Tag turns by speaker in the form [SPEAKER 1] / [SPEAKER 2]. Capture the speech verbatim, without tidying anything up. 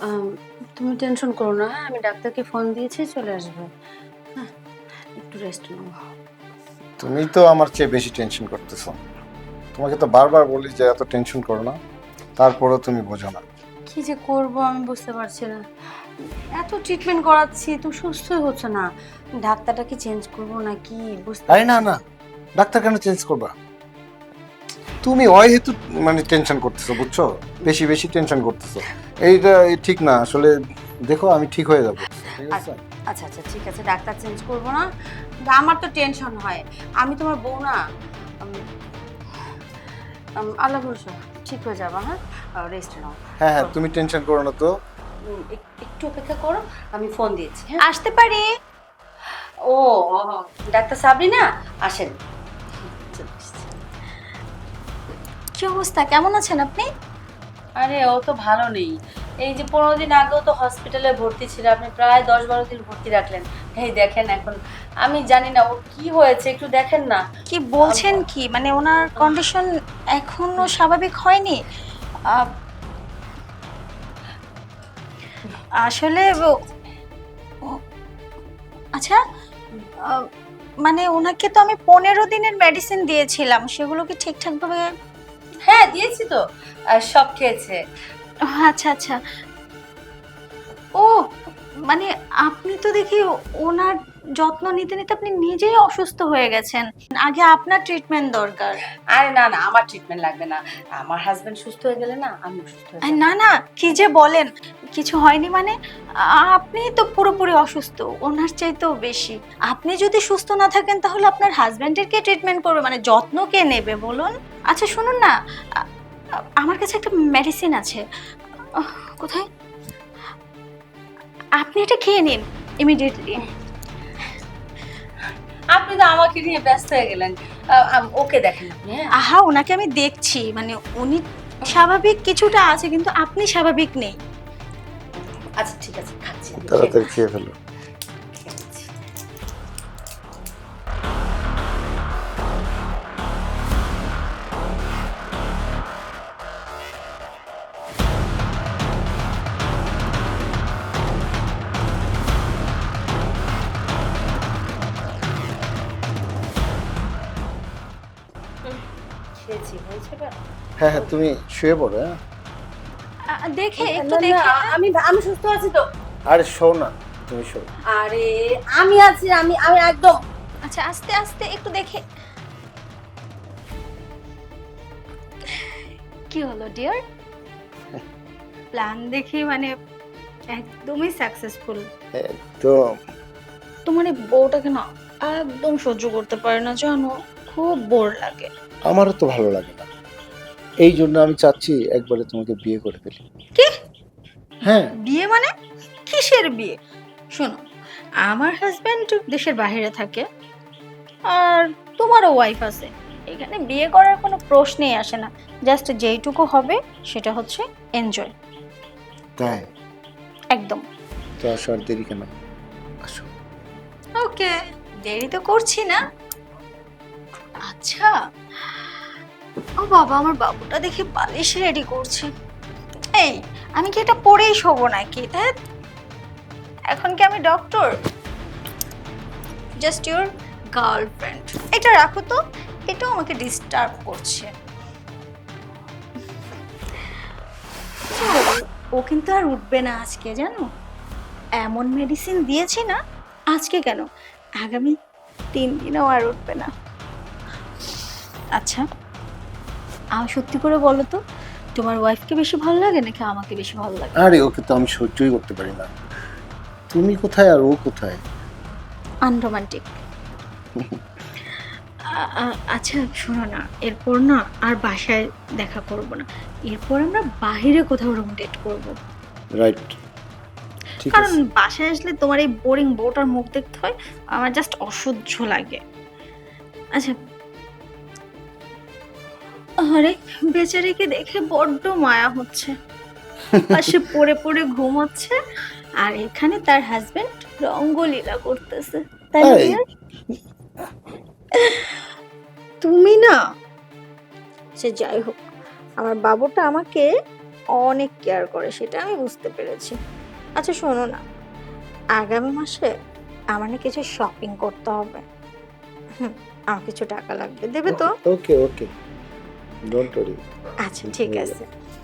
[SPEAKER 1] আম, তুমি টেনশন করো না, হ্যাঁ? আমি ডাক্তারকে ফোন দিয়েছি, চলে আসবে। হ্যাঁ, একটু রেস্ট নাও।
[SPEAKER 2] তুমি তো আমার চেয়ে বেশি টেনশন করতেছো। তোমাকে তো বারবার বলি যে এত টেনশন করো না, তারপরেও তুমি বোঝো না।
[SPEAKER 1] কি যে করব আমি বুঝতে পারছি না। এত ট্রিটমেন্ট করাচ্ছি, তুমি সুস্থই হচ্ছে না। ডাক্তারটা কি চেঞ্জ করবো নাকি বুঝতে
[SPEAKER 2] আরে না
[SPEAKER 1] পারছি
[SPEAKER 2] না, ডাক্তার কেন চেঞ্জ করবা? তুমি ওই হেতু মানে টেনশন করতেছো, বুঝছো? বেশি বেশি টেনশন করতেছো। এইটা ঠিক না আসলে। দেখো আমি ঠিক হয়ে যাবো, ঠিক
[SPEAKER 1] না।
[SPEAKER 2] আছে?
[SPEAKER 1] আচ্ছা আচ্ছা ঠিক আছে, ডাক্তার চেঞ্জ করবো না। কিন্তু আমার তো টেনশন হয়, আমি তোমার বউ না। উম, উম, আল্লাহ ভরসা, ঠিক হয়ে যাবা। হ্যাঁ, রেস্ট নাও।
[SPEAKER 2] হ্যাঁ হ্যাঁ, তুমি টেনশন করো না তো।
[SPEAKER 1] উম, এক- একটু অপেক্ষা করো, আমি ফোন দিয়েছি। হ্যাঁ, আসতে পারি। ও, ডাক্তার সাবরিনা, আসেন। চলে এসেছি।
[SPEAKER 3] কি অবস্থা, কেমন আছেন আপনি?
[SPEAKER 1] আরে ও তো ভালো নেই। এই যে পনেরো দিন আগেও তো হসপিটালে ভর্তি ছিল, আপনি প্রায় দশ বারো দিন ভর্তি রাখলেন। এই দেখেন এখন, আমি জানি না ওর কি হয়েছে, একটু দেখেন না।
[SPEAKER 3] কি বলছেন কি, মানে ওনার কন্ডিশন এখনো স্বাভাবিক হয়নি? আহ, আসলে ও- ও- আচ্ছা, আহ, মানে ওনাকে তো আমি পনেরো দিনের মেডিসিন দিয়েছিলাম, সেগুলো কি ঠিকঠাক ভাবে?
[SPEAKER 1] হ্যাঁ দিয়েছি তো, আর সব খেয়েছে।
[SPEAKER 3] আচ্ছা আচ্ছা। ও, মানে আপনি তো দেখি ওনার যত্ন নিতে নিতে আপনি নিজেই অসুস্থ হয়ে গেছেন। আগে আপনার ট্রিটমেন্ট দরকার।
[SPEAKER 1] আরে না না, আমার ট্রিটমেন্ট লাগবে না। আমার হাজবেন্ড সুস্থ হয়ে গেলে না আমি সুস্থ হয়ে
[SPEAKER 3] আরে
[SPEAKER 1] যাবো।
[SPEAKER 3] না না, কি যে বলেন, কিছু হয়নি মানে? আ- আপনি তো পুরোপুরি অসুস্থ, ওনার চাইতেও বেশি। আপনি যদি সুস্থ না থাকেন তাহলে আপনার হাজবেন্ডের কে ট্রিটমেন্ট করবে, মানে যত্ন কে নেবে বলুন? আচ্ছা শুনুন না, আ- আ- আমার কাছে একটা মেডিসিন আছে। আহ, কোথায়? আপনি এটা খেয়ে নিন ইমিডিয়েটলি।
[SPEAKER 1] আপনি তো আমাকে নিয়ে ব্যস্ত হয়ে গেলেন। আহ, আম- ওকে দেখেন আপনি। হ্যাঁ,
[SPEAKER 3] আহা, ওনাকে আমি দেখছি, মানে উনি স্বাভাবিক কিছুটা আছে কিন্তু আপনি স্বাভাবিক নেই।
[SPEAKER 1] আচ্ছা ঠিক আছে, খাচ্ছি আমি, খেয়ে
[SPEAKER 2] তাড়াতাড়ি
[SPEAKER 1] নিচ্ছি,
[SPEAKER 2] খেয়ে ফেলো।
[SPEAKER 1] খেয়ে নিচ্ছি। হুম, খেয়েছি, হয়েছে বা?
[SPEAKER 2] হ্যাঁ হ্যাঁ, তুমি শুয়ে পড়ো। হ্যাঁ,
[SPEAKER 3] আ, দেখে একটু
[SPEAKER 1] না, না,
[SPEAKER 3] দেখে।
[SPEAKER 1] আমি আমি সুস্থ আছি তো।
[SPEAKER 2] আরে শো না, তুমি শো।
[SPEAKER 1] আরে আমি আছি, আমি আমি একদম।
[SPEAKER 3] আচ্ছা আস্তে আস্তে একটু দেখে। কি হলো ডিয়ার? প্ল্যান দেখি মানে একদমই সাকসেসফুল।
[SPEAKER 2] একদম।
[SPEAKER 3] তোমার এই বউটাকে না একদম সহ্য করতে পারে না জানো, খুব বোর লাগে।
[SPEAKER 2] আমারও তো ভালো লাগে না, এই জন্য আমি চাচ্ছি একবারে তোমাকে বিয়ে করে ফেলি।
[SPEAKER 3] কি?
[SPEAKER 2] হ্যাঁ।
[SPEAKER 3] বিয়ে মানে? কিসের বিয়ে? শোনো, আমার হাজবেন্ড দেশের বাইরে থাকে, আর তোমারও ওয়াইফ আছে। এখানে বিয়ে করার কোনো প্রশ্নই আসে না। জাস্ট যেইটুকু হবে সেটা হচ্ছে এনজয়।
[SPEAKER 2] তাই?
[SPEAKER 3] একদম।
[SPEAKER 2] তো আসো, আর দেরি কেন? আসো।
[SPEAKER 3] ওকে, দেরি তো করছি না। আচ্ছা, ও বাবা, আমার বাবুটা দেখে বালিশ রেডি করছে। এই, আমি কি এটা পরেই শোবো নাকি? ধ্যাৎ, এখন কি আমি ডক্টর? Just your girlfriend. এটা রাখো তো, এটাও আমাকে ডিস্টার্ব করছে। ও কিন্তু আর উঠবে না আজকে, জানো? এমন মেডিসিন দিয়েছি না, আজকে কেন, আগামী তিন দিনেও আর উঠবে না। আচ্ছা, আমার সত্যি করে বলো তো, তোমার ওয়াইফকে বেশি ভালো লাগে নাকি আমাকে বেশি ভালো লাগে?
[SPEAKER 2] আরে ওকে তো আমি সহ্যই করতে পারি না। তুমি কোথায় আর ও কোথায়?
[SPEAKER 3] আনরোমান্টিক। আচ্ছা শোনো না, এরপর না আর বাসায় দেখা করব না, এরপর আমরা বাইরে কোথাও রুম ডেট করব।
[SPEAKER 2] রাইট, ঠিক
[SPEAKER 3] কারণ
[SPEAKER 2] আছে।
[SPEAKER 3] বাসায় আসলে তোমার এই বোরিং বউটার মুখ দেখতে হয়, আমার জাস্ট অসহ্য লাগে। আচ্ছা, আরে বেচারিকে দেখে বড্ড মায়া হচ্ছে, পাশে পড়ে পড়ে ঘুমোচ্ছে, আর এখানে তার হাজবেন্ড রঙ্গলীলা করতেছে, তাই না
[SPEAKER 2] এই,
[SPEAKER 3] ডিয়ার? তুমি না, সে যাই হোক, আমার বাবুটা আমাকে অনেক কেয়ার করে, সেটা আমি বুঝতে পেরেছি। আচ্ছা শোনো না, আগামী মাসে আমার না কিছু শপিং করতে হবে। হুম, আমার কিছু টাকা লাগবে, দেবে তো?
[SPEAKER 2] Okay okay, don't worry.
[SPEAKER 3] আচ্ছা ঠিক আছে।